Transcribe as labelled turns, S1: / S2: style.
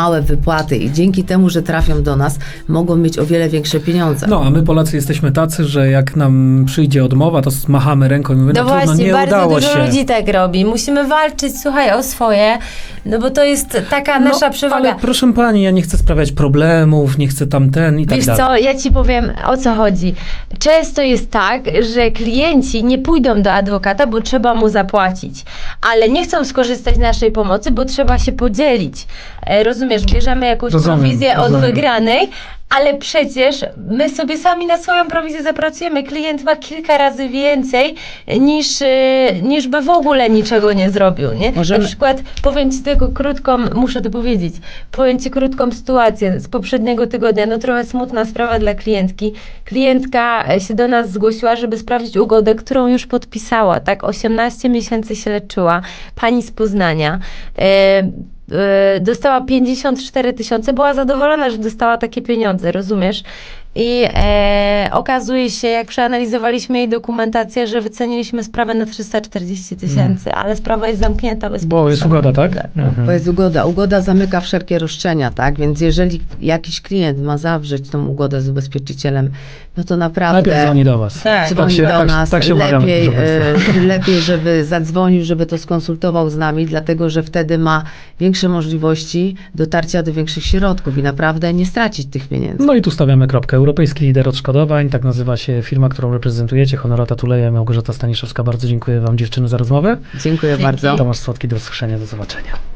S1: małe wypłaty i dzięki temu, że trafią do nas, mogą mieć o wiele większe pieniądze.
S2: No, a my Polacy jesteśmy tacy, że jak nam przyjdzie odmowa, to machamy ręką i mówimy,
S3: No
S2: trudno,
S3: właśnie,
S2: nie
S3: bardzo
S2: udało
S3: dużo
S2: się.
S3: ludzi tak robi. Musimy walczyć, słuchaj, o swoje, no bo to jest taka nasza przewaga.
S2: Ale proszę pani, ja nie chcę sprawiać problemów, nie chcę tamten i tak
S3: Wiesz
S2: dalej.
S3: co, ja ci powiem, o co chodzi. Często jest tak, że klienci nie pójdą do adwokata, bo trzeba mu zapłacić, ale nie chcą skorzystać z naszej pomocy, bo trzeba się podzielić. Rozumiesz, bierzemy jakąś prowizję od wygranej, ale przecież my sobie sami na swoją prowizję zapracujemy. Klient ma kilka razy więcej niż by w ogóle niczego nie zrobił, nie?
S1: Możemy-
S3: Na przykład, powiem ci tylko krótką, muszę to powiedzieć, powiem ci krótką sytuację z poprzedniego tygodnia, no trochę smutna sprawa dla klientki. Klientka się do nas zgłosiła, żeby sprawdzić ugodę, którą już podpisała, tak? 18 miesięcy się leczyła. Pani z Poznania. Dostała 54 000, była zadowolona, że dostała takie pieniądze, rozumiesz? I okazuje się, jak przeanalizowaliśmy jej dokumentację, że wyceniliśmy sprawę na 340 000, ale sprawa jest zamknięta bez
S2: Bo jest
S3: podpisania.
S2: ugoda, tak?
S1: To jest ugoda. Ugoda zamyka wszelkie roszczenia, tak? Więc jeżeli jakiś klient ma zawrzeć tą ugodę z ubezpieczycielem, no to naprawdę
S2: Najpierw dzwoni do was.
S3: Tak.
S1: dzwoni do nas.
S2: tak się umawiamy,
S1: lepiej,
S2: proszę
S1: lepiej, żeby zadzwonił, żeby to skonsultował z nami, dlatego że wtedy ma większe możliwości dotarcia do większych środków i naprawdę nie stracić tych pieniędzy.
S2: No i tu stawiamy kropkę. Europejski Lider Odszkodowań, tak nazywa się firma, którą reprezentujecie. Honorata Tuleja, Małgorzata Staniszewska. Bardzo dziękuję wam, dziewczyny, za rozmowę.
S1: Dziękuję bardzo.
S2: Tomasz Słodki, do usłyszenia, do zobaczenia.